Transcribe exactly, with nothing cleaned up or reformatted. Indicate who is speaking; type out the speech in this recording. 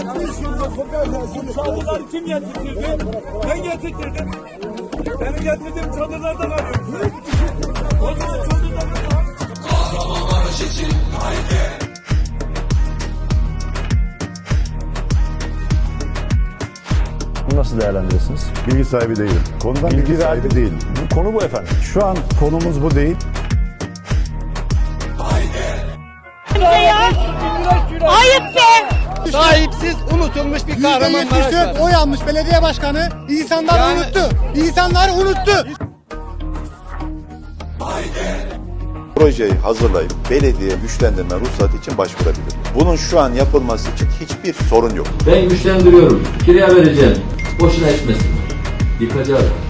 Speaker 1: Çadırları kim getirtirdi? Ben getirtirdim. Benim getirdiğim çadırlardan alıyorum. O zaman çadırlardan al. Kahramanmaraş için haydi.
Speaker 2: Bunu nasıl değerlendirirsiniz?
Speaker 3: Bilgi sahibi değilim. Konudan bilgi, bilgi sahibi değilim.
Speaker 2: Bu konu bu efendim.
Speaker 3: Şu an konumuz bu değil.
Speaker 4: Ayıp be!
Speaker 5: Sahipsiz, unutulmuş bir Kahramanmaraş var.
Speaker 6: Oy almış belediye başkanı. İnsanlar yani... unuttu. İnsanlar unuttu.
Speaker 7: Projeyi hazırlayıp belediye güçlendirme ruhsatı için başvurabilir. Bunun şu an yapılması için hiçbir sorun yok.
Speaker 8: Ben güçlendiriyorum. Kiraya vereceğim. Boşuna etmesin. Yıkacağız.